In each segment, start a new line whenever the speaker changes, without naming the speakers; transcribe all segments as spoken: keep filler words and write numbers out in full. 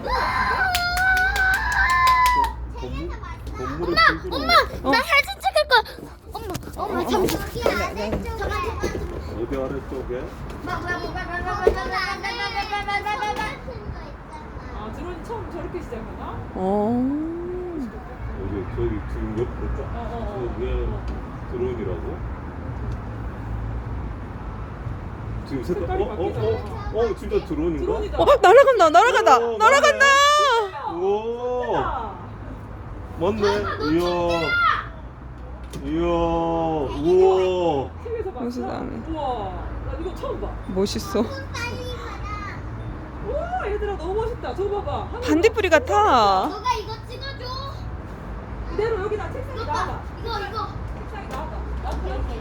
건물, 건물의
엄마, 엄마,
어.
나 사진 찍을 거야. 엄마, 엄마, 잠시만.
어디 아래쪽에?
아, 드론이 처음 저렇게 시작하나?
어.
여기 저기 지금 옆으로 쫙.
어, 어, 어.
저 위에 드론이라고? 지금 색깔
색깔이
어? 어?
바뀌잖아.
어? 어? 진짜 드론인가?
드론이다.
어, 날아간다, 날아간다,
오,
날아간다.
오
야,
맞네. 이야 이야 우와
티비에서 봤어?
세상에.
우와, 나 이거 처음 봐.
멋있어.
우와, 얘들아 너무 멋있다. 저거 봐봐. 하늘
반딧불이 같아.
너가 이거 찍어줘.
그대로 여기다 책상에
이거
나와봐.
봐, 이거 이거.
책상에 나와봐. 나도 이렇게.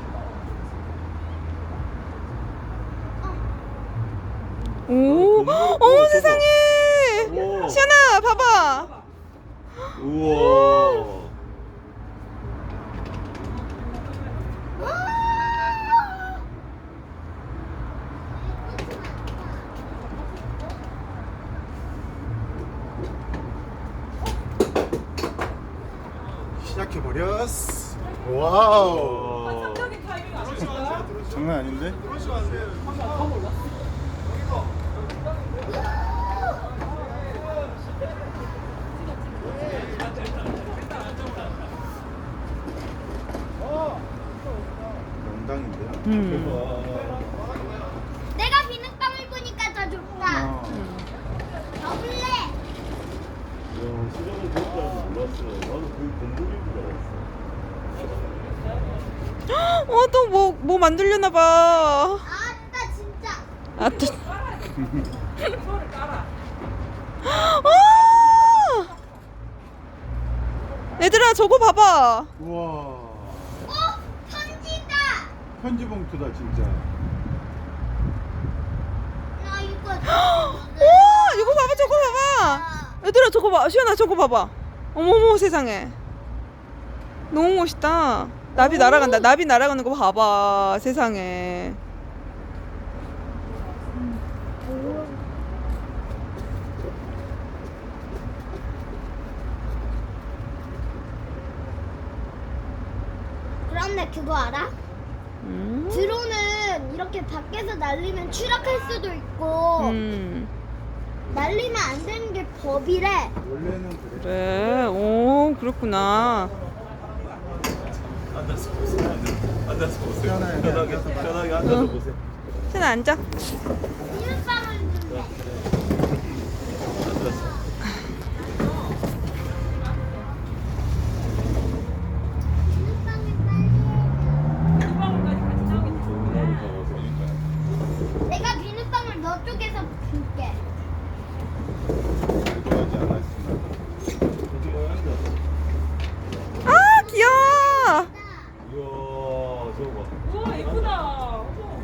오, 어머 세상에.
우와.
시연아, 봐봐.
봐봐.
우와
시작해버렸어. 와우.
환상적인 타이밍 아닐까?
장난 아닌데?
더 몰랐어.
영당인데?
음.
내가 비눗방울 보니까 더 좋다.
어.
더 볼래?
야 시장은 그럴 줄 몰랐어. 나는 그 건물인 줄 알았어.
어, 또 뭐, 뭐 만들려나 봐.
아따 진짜.
아, 또.
이거를 깔아.
아! 얘들아, 저거 봐봐.
우와.
어? 편지다.
편지 봉투다 진짜.
나 이거.
우와, 이거 봐봐, 저거 봐봐. 얘들아, 저거 봐. 시연아, 저거 봐봐. 어머머, 세상에. 너무 멋있다. 나비 날아간다. 나비 날아가는 거 봐봐. 세상에.
그런데 그거 알아?
음.
드론은 이렇게 밖에서 날리면 추락할 수도 있고
음.
날리면 안 되는 게 법이래.
원래는 그래.
그래. 오, 그렇구나.
앉아서 보세요. 앉아서, 앉아서 보세요.
편하게
편하게
앉아서 봐.
편하게 앉아서
응.
보세요.
시연아, 앉아.
비눗방울 준대.
앉아서.
이방울까지 같이 나오게
건물을
되는구나.
잡아서.
내가 비눗방울 너 쪽에서 줄게.
좋아하지 않았으나.
거기 앉아서.
아, 귀여워.
이야 저거 봐.
우와, 예쁘다. 어머.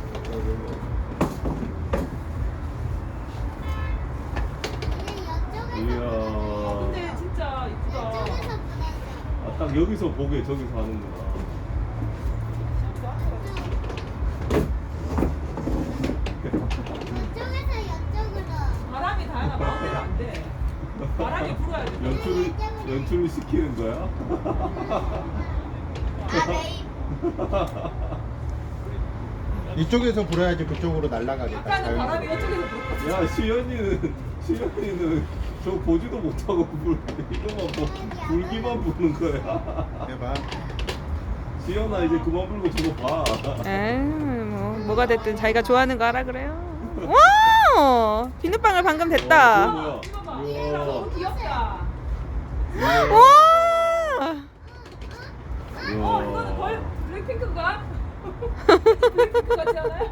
이야.
근데 진짜 이쁘다.
아, 딱 여기서 보게 저기서 하는구나.
바람이 다양한 마음대로 안 돼. 바람이 불어야 돼.
연출을 연출을 시키는 거야?
이쪽에서 불어야지 그쪽으로 날아가겠다.
아까는 바람이 이쪽에서 불었거든.
야 시연이는 시연이는 저 보지도 못하고 불 이거만 보 불기만 부는 거야.
해봐.
시연아 이제 그만 불고 저거 봐.
에이, 뭐, 뭐가 됐든 자기가 좋아하는 거 하라 그래요. 와! 비눗방울 방금 됐다.
뭐야?
이거 봐.
이야.
얘들아, 너무 귀엽다.
와!
어, 이거는 거의 블랙핑크인가? 블랙핑크 같지 않아요?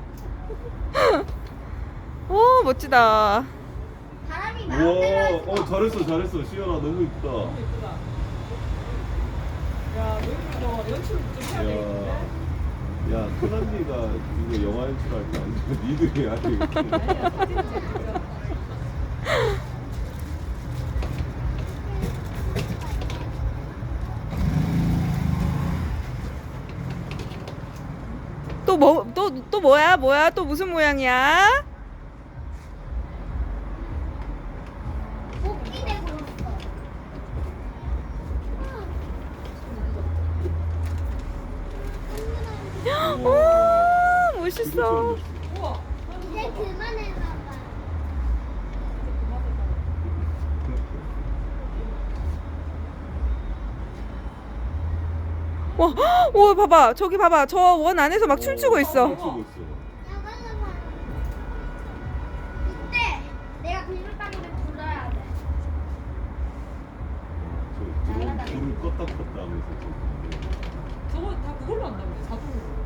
오, 멋지다.
바람이
우와,
마음대로
어 잘했어 잘했어 시연아 너무 이쁘다.
너무 예쁘다. 야, 여기 뭐 연출 좀 해야 되겠는데?
야, 야 큰언니가 이거 영화 연출할 때 아니고 니들이 해야 되겠다.
아니야, 사진 찍자.
또 뭐, 또, 또 뭐야? 뭐야? 또 무슨 모양이야?
복귀 되고 있어.
오 멋있어.
우와.
이제 그만해봐.
와, 오 봐봐 저기 봐봐 저 원 안에서 막 춤추고 있어.
춤추고 있어.
나가서 봐. 이때 내가 비밀방울을 불러야 돼.
저 드론 불을 껐다 껐다 하면서 지금.
저거 다 그걸로 한다고 자동으로.